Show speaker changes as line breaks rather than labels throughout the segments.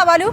ബാലു?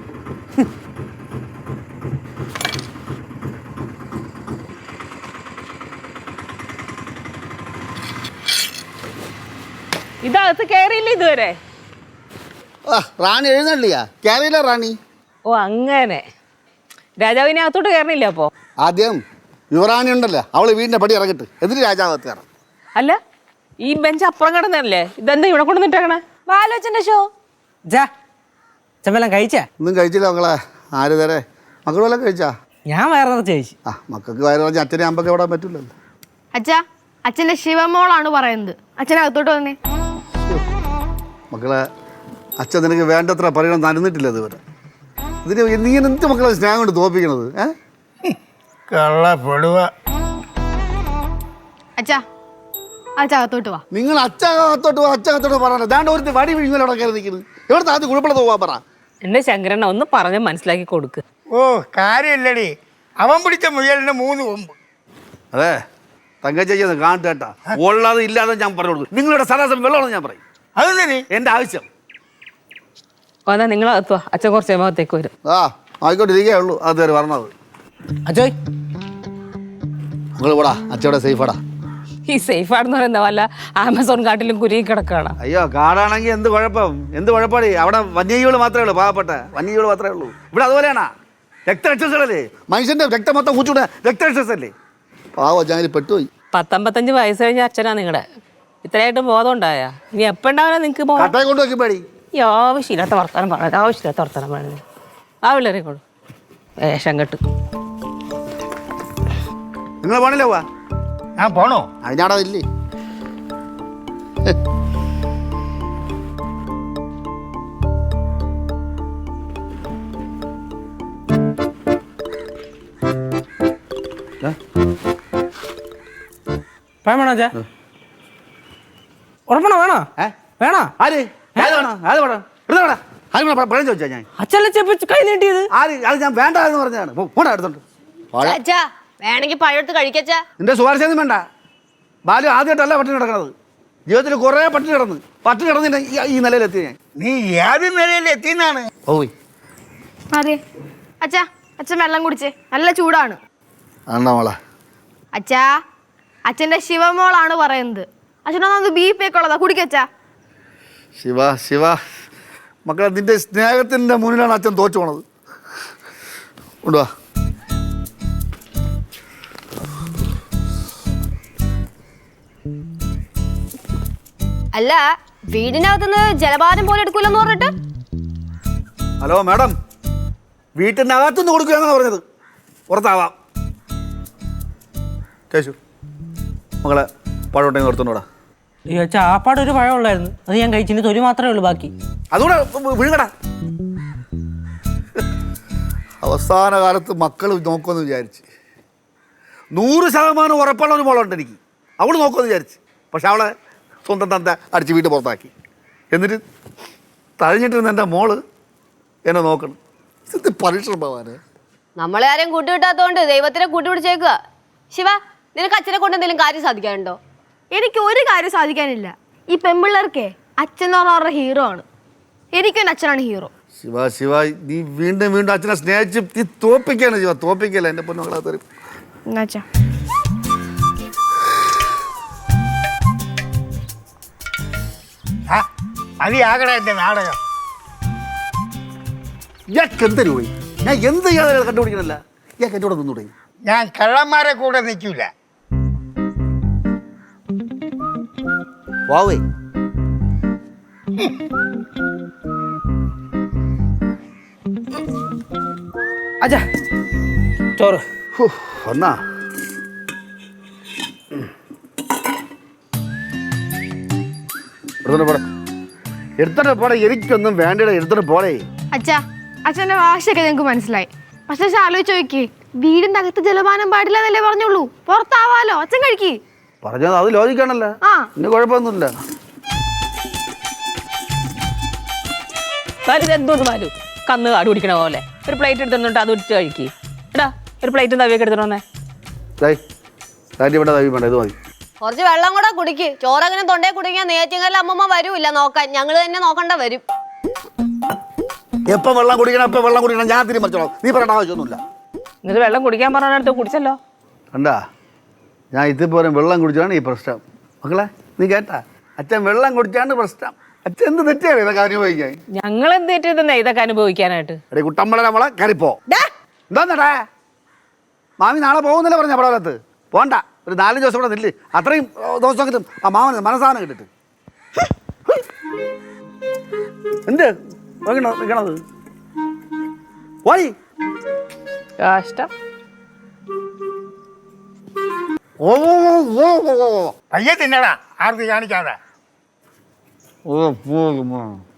ഇതകത്ത് കയറിയില്ല ഇതുവരെ.
റാണി എഴുന്നള്ളിയാ? കയറിയില്ല റാണി.
ഓ അങ്ങനെ. രാജാവിനെ അകത്തോട്ട് കയറണില്ല അപ്പോ?
ആദ്യം യുവറാണി ഉണ്ടല്ലോ, അവള് വീടിന്റെ പടി ഇറങ്ങിട്ട് എന്നിട്ട് രാജാവത്ത് കയറാം.
അല്ല, ഈ ബെഞ്ച് അപ്പുറം കിടന്നല്ലേ, ഇതെന്താ ഇവിടെ കൊണ്ടുവന്നിട്ടേക്കണേ?
ബാലോച്ചന്റെ ഷോ
ചെമ്പെല്ലാം കഴിച്ചാ?
ഒന്നും കഴിച്ചില്ല മക്കളെ. ആര് തരേ? മക്കൾ വല്ലതും കഴിച്ചാ?
ഞാൻ വയറ് നിറച്ച് കഴിച്ചു.
മക്കൾക്ക് വയറ് പറഞ്ഞ അച്ഛനെ അമ്പൊക്കെ വിടാൻ പറ്റില്ലല്ലോ.
അച്ഛാ, അച്ഛന്റെ ശിവമോളാണ് പറയുന്നത്. അച്ഛനകത്തോട്ട് വന്നേ.
മക്കളെ, അച്ഛൻ നിനക്ക് വേണ്ടത്ര പറയണം നനന്നിട്ടില്ല ഇതുവരെ. ഇതിന് നീ എന്ത് മക്കളെ സ്നേഹം കൊണ്ട് തോപ്പിക്കണത്?
അച്ഛാ, അച്ഛകത്തോട്ട് വാ.
നിങ്ങൾ അച്ഛകത്തോട്ട് പറയാൻ ദാണ്ട് ഒരു വടി വിഴുങ്ങൽ അവിടെ കയറി നിൽക്കുന്നത്. എവിടെ ആദ്യം കുഴപ്പമില്ല പോവാൻ പറ.
എന്റെ ശങ്കരണ്ണ ഒന്ന് പറഞ്ഞ് മനസ്സിലാക്കി കൊടുക്ക്.
ഓ കാര്യമില്ലടി, അവൻ പിടിച്ച മുയലിന് 3 കൊമ്പ്.
അതെ, തങ്കച്ചയ്യെന്ന് കാണട്ടേട്ടാ. ഉള്ളത് ഇല്ലാതെ ഞാൻ പറഞ്ഞു കൊടുക്കും. നിങ്ങളുടെ സദാസം വെള്ളമാണെന്ന് ഞാൻ പറയും.
അതെന്തിന്?
എൻ്റെ ആവശ്യം.
എന്നാ നിങ്ങളകത്തുവാ, അച്ഛൻ കുറച്ച് ഭാഗത്തേക്ക് വരും.
ആയിക്കോട്ടെ, ഇരിക്കേ ഉള്ളൂ. അതുവരെ പറഞ്ഞത്.
അജോയ്,
നിങ്ങൾ പോടാ, അച്ഛവിടെ സേഫാടാ.
ഈ സേഫ് ആണെന്ന് പറയുന്ന വല്ല ആമസോൺ കാട്ടിലും കുരുങ്ങി കിടക്കുകയാണ്.
അയ്യോ, കാടാണെങ്കിൽ എന്ത് കുഴപ്പം? എന്ത് കുഴപ്പമാണ്? അവിടെ വന്യജീവികൾ മാത്രമേ ഉള്ളൂ, പാവപ്പെട്ട വന്യജീവികൾ മാത്രമേ ഉള്ളൂ. ഇവിടെ അതുപോലെയാണോ? രക്തരക്ഷസല്ലേ മനുഷ്യന്റെ രക്തം മൊത്തം കൂച്ചുകൂടെ രക്തരക്ഷസല്ലേ? പാവം ഞാൻ പെട്ടുപോയി.
55 വയസ്സ് കഴിഞ്ഞ അച്ഛനാ നിങ്ങളുടെ. ഇത്രയായിട്ട് ബോധം ഉണ്ടായ ഇനി എപ്പോൾ ഉണ്ടാവില്ല നിങ്ങൾക്ക്?
കട്ടയെ കൊണ്ട് വെക്കും പേടി.
ഈ ആവശ്യമില്ലാത്ത വർത്താനം പറഞ്ഞത്, ആവശ്യമില്ലാത്ത വർത്താനം പറഞ്ഞത്. ആ പിള്ളേരെക്കോളൂ വേഷം കെട്ട്.
നിങ്ങൾ പോണില്ലേ? പോവാ,
ഞാൻ പോണോ?
അതിനാടാ ഇല്ലേ?
പഴം വേണോ? അച്ഛാ ഉറപ്പണോ? വേണോ? വേണോ?
ആര് പഴം ചോദിച്ചാ ഞാൻ?
അച്ഛല്ലേ കൈ നീട്ടിയത്?
ആര്? അത് ഞാൻ വേണ്ട എന്ന് പറഞ്ഞതാണ്. പോടാ എടുത്തോണ്ട്.
അച്ഛാ, വേണമെങ്കിൽ പഴമെടുത്ത് കഴിക്കച്ചാ.
നിന്റെ ശുപാർശയൊന്നും വേണ്ട. ബാലു ആദ്യമായിട്ടല്ല പട്ടിണി കിടക്കണത്. ജീവിതത്തിൽ കുറേ പട്ടിണി കിടന്നിട്ട് ഈ നിലയിലെത്തി ഞാൻ.
നീ ഏത് നിലയിൽ എത്തിന്നാണ്?
പോയി.
അതെ അച്ഛാ, അച്ഛൻ വെള്ളം കുടിച്ചേ, നല്ല ചൂടാണ്.
ആണ്ടാ മോളെ.
അച്ഛാ, അച്ഛന്റെ ശിവമോളാണ് പറയുന്നത്. അച്ഛനൊന്നത് BP ഒക്കെ ഉള്ളതാ, കുടിക്കച്ചാ.
ശിവ മക്കളെ, നിന്റെ സ്നേഹത്തിൻ്റെ മുന്നിലാണ് അച്ഛൻ തോച്ചു പോണത്. കൊണ്ടുവാ.
അല്ല, വീടിനകത്തുനിന്ന് ജലപാനം പോലെ എടുക്കൂലെന്ന് പറഞ്ഞിട്ട്.
ഹലോ മാഡം, വീട്ടിൻ്റെ അകത്തുനിന്ന് കൊടുക്കുകയാണെന്ന് പറഞ്ഞത്. പുറത്താവാം. കേശു മകളെ, പഴമുണ്ടെങ്കിൽ നിർത്തുന്നോടാ.
അയ്യോ അച്ഛാ, ആപ്പാട് ഒരു പഴം ഉള്ളായിരുന്നു, അത് ഞാൻ കഴിച്ചിട്ട് തൊലി മാത്രമേ ഉള്ളൂ ബാക്കി.
അതുകൂടെ വിഴുകടാ. അവസാന കാലത്ത് മക്കൾ നോക്കുമെന്ന് വിചാരിച്ച് 100% ഉറപ്പുള്ള ഒരു മോളുണ്ട് എനിക്ക്. അവൾ നോക്കുമെന്ന് വിചാരിച്ച്. പക്ഷെ അവളെ സ്വന്തം തന്ത അടിച്ച് വീട്ടിൽ പുറത്താക്കി. എന്നിട്ട് തഴഞ്ഞിട്ടിരുന്ന എൻ്റെ മോള് എന്നെ നോക്കണം. ഇത് പരീക്ഷണം പോവാന്.
നമ്മളെ ആരെയും കൂട്ടുകിട്ടാത്തോണ്ട് ദൈവത്തിനെ കൂട്ടുപിടിച്ചേക്കുക. ശിവ, നിനക്ക് അച്ഛനെ കൊണ്ട് എന്തെങ്കിലും കാര്യം സാധിക്കാനുണ്ടോ? എനിക്ക് ഒരു കാര്യം സാധിക്കാനില്ല. ഈ പെൺപിള്ളേർക്കേ അച്ഛൻ എന്ന് പറഞ്ഞ അവരുടെ ഹീറോ ആണ്. എനിക്കൊരു അച്ഛനാണ് ഹീറോ.
ശിവ നീ വീണ്ടും അച്ഛനെ സ്നേഹിച്ച് നീ തോപ്പിക്കാണ്. ശിവ തോപ്പിക്കല്ല എൻ്റെ പൊന്നുകളെ തരും.
അച്ഛാ,
മതിയാകട എന്റെ നാടകം.
ഇയാൾക്ക് എന്തൊരു പോയി? ഞാൻ എന്ത് ചെയ്യാതെ കണ്ടുപിടിക്കണല്ല. ഇയാൾക്ക് എൻ്റെ കൂടെ നിന്നൂടെ?
ഞാൻ കള്ളന്മാരെ കൂടെ നിൽക്കൂല.
വാവേ,
അച്ഛാ ചോറ്
ഒന്നാ എടുത്തിട്ട് പോടെ. എനിക്കൊന്നും വേണ്ട, എടുത്തിട്ട് പോടേ.
അച്ഛാ, അച്ഛന്റെ ഭാഷയൊക്കെ ഞങ്ങൾക്ക് മനസ്സിലായി. പക്ഷെ ആലോചിച്ച് നോക്കി, വീടിന്റെ അകത്ത് ജലപാനം പാടില്ല എന്നല്ലേ പറഞ്ഞുള്ളൂ. പുറത്താവാലോ, അച്ഛൻ കഴിക്കി.
പറഞ്ഞത് അത് ലോജിക്കാണല്ലോ. പിന്നെ കുഴപ്പമൊന്നുമില്ല.
എന്തോന്ന് പാലു കന്ന് കാട് കുടിക്കണ പോലെ ഒരു പ്ലേറ്റ് എടുത്തിട്ട് അത് ഇട്ട് കഴിക്കി. എടാ, ഒരു പ്ലേറ്റും തവിയൊക്കെ എടുത്തിട്ടോന്നേ.
ഇവിടെ തവി വേണ്ട, ഇത് മതി.
കുറച്ച് വെള്ളം കൂടെ കുടിക്ക്. ചോറങ്ങനെ തൊണ്ടേ കുടിക്കാൻ നേറ്റിങ്ങല്ല അമ്മമ്മ വരൂല്ല നോക്കാൻ. ഞങ്ങള് തന്നെ നോക്കണ്ട വരും.
എപ്പം വെള്ളം കുടിക്കണം എപ്പം വെള്ളം കുടിക്കണം ഞാൻ തീരുമാനിച്ചോളാം. നീ പറയേണ്ട ആവശ്യമൊന്നുമില്ല.
എന്നിട്ട് വെള്ളം കുടിക്കാൻ പറഞ്ഞടുത്ത് കുടിച്ചല്ലോ.
കണ്ടാ, ഞാൻ ഇതുപോലെ വെള്ളം കുടിച്ചാണ് ഈ പ്രശ്നം. മക്കളെ നീ കേട്ടാ, അച്ഛൻ വെള്ളം കുടിച്ചാണ് പ്രശ്നം. അച്ഛൻ എന്ത് തെറ്റിയാണ് ഇതൊക്കെ അനുഭവിക്കാൻ?
ഞങ്ങൾ എന്ത് തെറ്റിയതെന്നാ ഇതൊക്കെ അനുഭവിക്കാനായിട്ട്?
എടേ കുട്ടമ്പള നമ്മളെ കയറിപ്പോ. എന്താന്നടാ, മാമി നാളെ പോകുന്നില്ല പറഞ്ഞ പടവലത്ത് പോണ്ട. ഒരു 4 ദിവസം കൂടെ നില്ല്. അത്രയും ദിവസം കിട്ടും ആ മാമന് മനസ്സാധനം കിട്ടിട്ട്. എന്ത് നിൽക്കണത്? പോയി
കഷ്ടം.
ഓ ഓ ഓ ഓ
പയ്യെ തിന്നടാ, ആർത്തി കാണിക്കാതെ.
ഓ ഓ